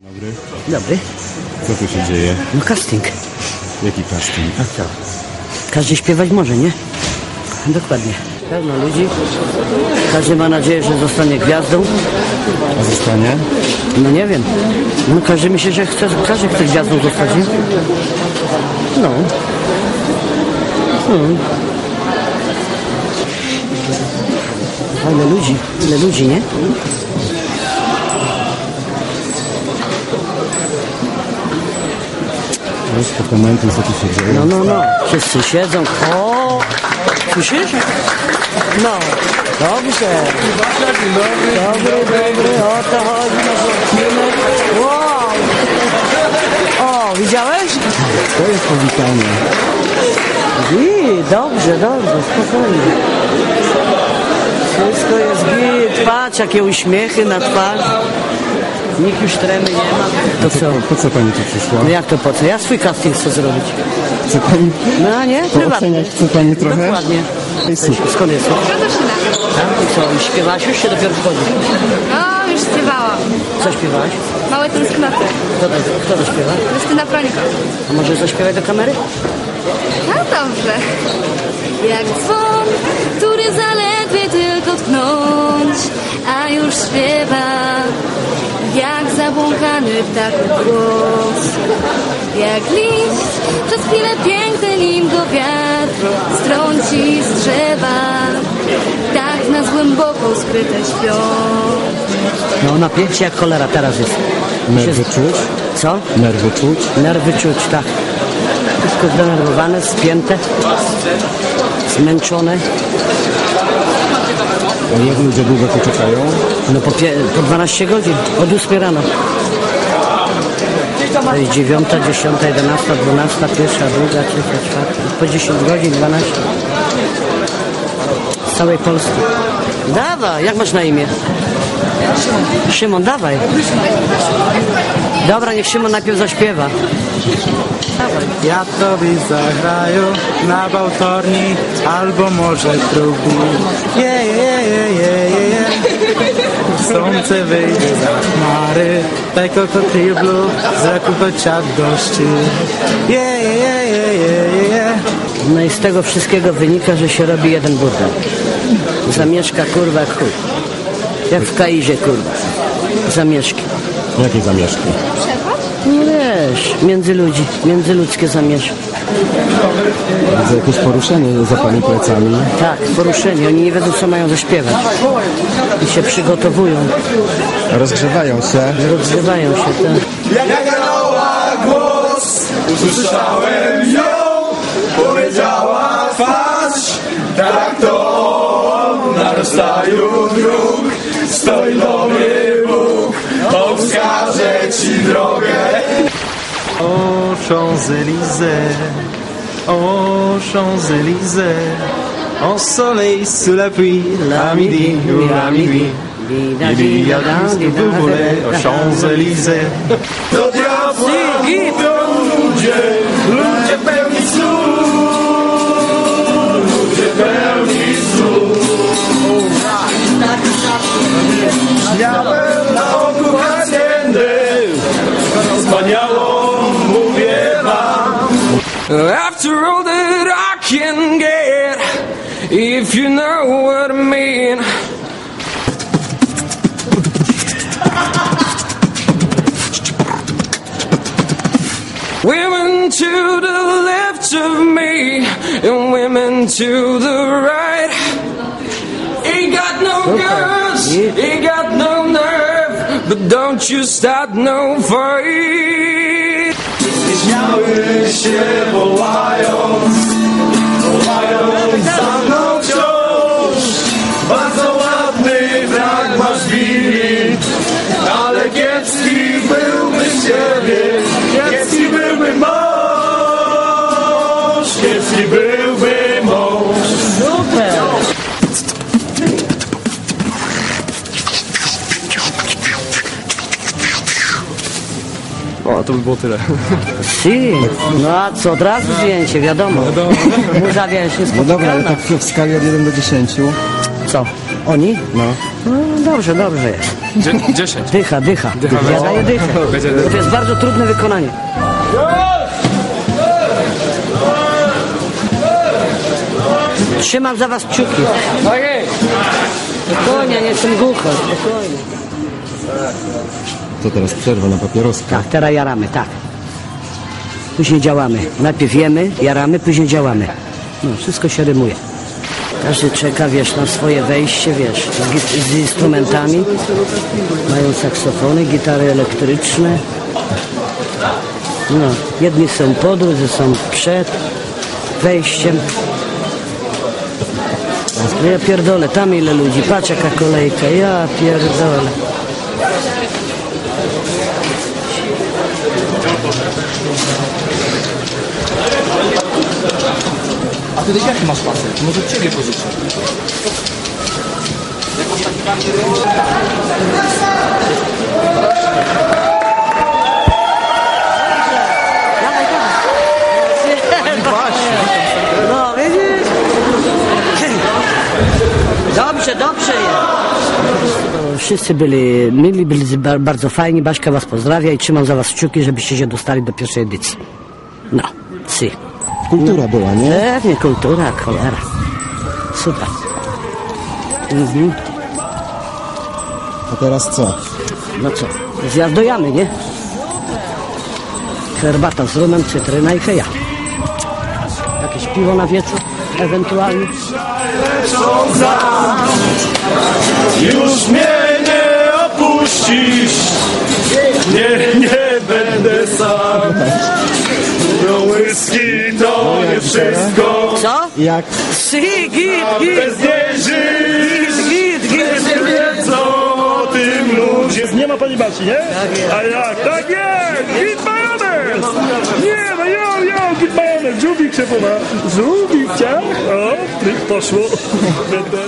Dobry. Dobry. Co tu się dzieje? No casting. Jaki casting? A co? Każdy śpiewać może, nie? Dokładnie. Pełno ludzi. Każdy ma nadzieję, że zostanie gwiazdą. A zostanie? No nie wiem. No każdy myśli, że chce, każdy chce gwiazdą zostać, nie? No. A ile ludzi, nie? Troszkę komentuj, co tu się dzieje. No. Wszyscy siedzą. O! Słyszysz? No. Dobrze. Dobry. O to chodzi. Wow! O, widziałeś? To jest powitanie. Dobrze, spokojnie. Wszystko jest git. Patrz, jakie uśmiechy na twarz. Nikt już tremy nie ma. To co? Po co pani tu przyszła? No jak to po co? Ja swój casting chcę zrobić. Chce pani No nie? Prywatnie. pooceniać? Chce pani trochę? Dokładnie. Ej, super. Skąd jesteś? Radoszyna. Tak? I co? I śpiewałaś już, czy dopiero wchodzi? No, już śpiewałam. Co śpiewałaś? Małe tęsknoty. Kto to śpiewa? Justyna Prońko. A może zaśpiewaj do kamery? No dobrze. Jak dzwon, który zaledwie tylko tknąć, a już śpiewa. Jak zabłąkany ptaków głos. Jak liść, przez chwilę piękny, nim go wiatr strąci z drzewa. Tak nas głęboko skryte śpią. No ona pięknie jak cholera teraz jest. Nerwy czuć? Co? Nerwy czuć? Nerwy czuć, tak. Wszystko zdenerwowane, spięte, zmęczone. A jak ludzie długo tu czekają? No po 12 godzin, od 8 rano. To jest 9, 10, 11, 12, 1, 2, 3, 4, po 10 godzin, 12. Z całej Polski. Dawaj, jak masz na imię? Szymon, dawaj. Dobra, niech Szymon najpierw zaśpiewa. Ja tobie zagraję na bałtorni, albo może trubi. Słońce wyjdzie za chmary, tego kotyblu, z raku ciadłości. No i z tego wszystkiego wynika, że się robi jeden burdel. Zamieszka kurwa jak chuj. Jak w Kaizie kurwa. Zamieszki. Jakie zamieszki? No wiesz, między ludzi, międzyludzkie zamieszki. Widzę jakieś poruszenie za pani plecami. Tak, poruszeni. Oni nie wiedzą, co mają zaśpiewać. I się przygotowują. Rozgrzewają się. Rozgrywają się, tak. Jak dała głos, usłyszałem ją, powiedziała twarz, tak to na rozstaju dróg stoi dobry Bóg, on wskaże ci drogę. O Champs-Élysées, o Champs-Élysées, en soleil sous la pluie, à midi ou à minuit. Il y a tout ce que vous voulez aux Champs-Élysées. Do diabła mówią ludzie, ludzie pełni słów, ludzie pełni słów. Miałem na oku haciendę, wspaniałą mówię wam. After all that I can get, if you know what I mean. Women to the left of me, and women to the right. Ain't got no guts, ain't got no nerve, but don't you start no fight. Śmiały się wołając za mną wciąż. Bardzo ładny frak masz Willi, ale kiepski byłby z ciebie, kiepski byłby mąż, kiepski byłby mąż. Super! O, to by było tyle. Si. No a co, od razu zdjęcie, wiadomo. Muza, wiesz, jest No dobra, ale potrzebna. tak w skali od 1 do 10. Co? Oni? No. No dobrze jest. 10. Dycha. Ja daję dychę. Bo to jest bardzo trudne wykonanie. Trzymam za was kciuki. Spokojnie, nie jestem głucho. Spokojnie. To teraz przerwa na papieroska. Tak, teraz jaramy, tak. Później działamy. Najpierw jemy, jaramy, później działamy. No, wszystko się rymuje. Każdy czeka, wiesz, na swoje wejście, wiesz, z instrumentami. Mają saksofony, gitary elektryczne. No, jedni są po, drudzy są przed wejściem. No ja pierdolę, tam ile ludzi, patrz jaka kolejka, ja pierdolę. A ty jaki masz pasek? Może od ciebie pożyczę. No, widzisz? Dobrze jest. Wszyscy byli mili, byli bardzo fajni. Baśka was pozdrawia i trzymam za was kciuki, żebyście się dostali do pierwszej edycji. No, si. Kultura była, nie? Pewnie, kultura, cholera. Super. A teraz co? No co, zjazd do jamy, nie? Herbata z rumem, cytryna i heja. Jakieś piwo na wieczór, ewentualnie. Już mnie nie opuścisz, nie będę sam. No whisky to nie wszystko, Co? Jak? Si, git. bez niej żyć. Nie wiedzą o tym ludzie. Nie ma pani Basi, nie? A jak? Tak jest! Git majonez! Nie, no jo, git majonez! Żółwik szefowa! Żółwik, ciach! O, tryk poszło! Będę...